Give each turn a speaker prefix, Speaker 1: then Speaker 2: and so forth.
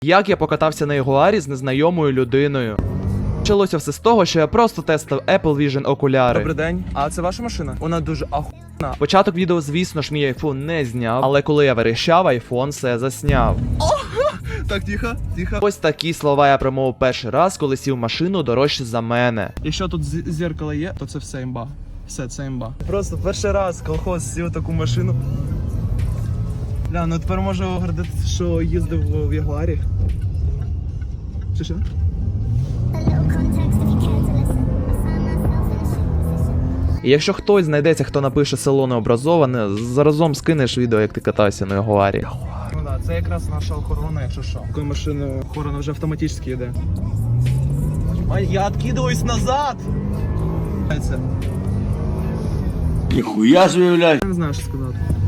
Speaker 1: Як я покатався на Ягуарі з незнайомою людиною. Почалося все з того, що я просто тестив Apple Vision окуляри.
Speaker 2: Добрий день. А це ваша машина? Вона дуже ахуєнна.
Speaker 1: Початок відео, звісно ж, мій айфон не зняв, але коли я верещав, айфон все засняв.
Speaker 2: Так, тихо, тихо.
Speaker 1: Ось такі слова я промовив перший раз, коли сів в машину дорожче за мене.
Speaker 2: Якщо тут зеркало є, то це все імба. Все, це імба. Просто перший раз колхоз сів таку машину. Бля, ну тепер можу гордитися, що їздив в Ягуарі. Що?
Speaker 1: І якщо хтось знайдеться, хто напише село необразоване, заразом скинеш відео, як ти катався на Ягуарі.
Speaker 2: Ну да, це якраз наша охорона, якщо що. Такою машиною охорона вже автоматично йде. А я откидываюсь назад!
Speaker 3: Ніхуя ж виявляй.
Speaker 2: Я не знаю, що сказати.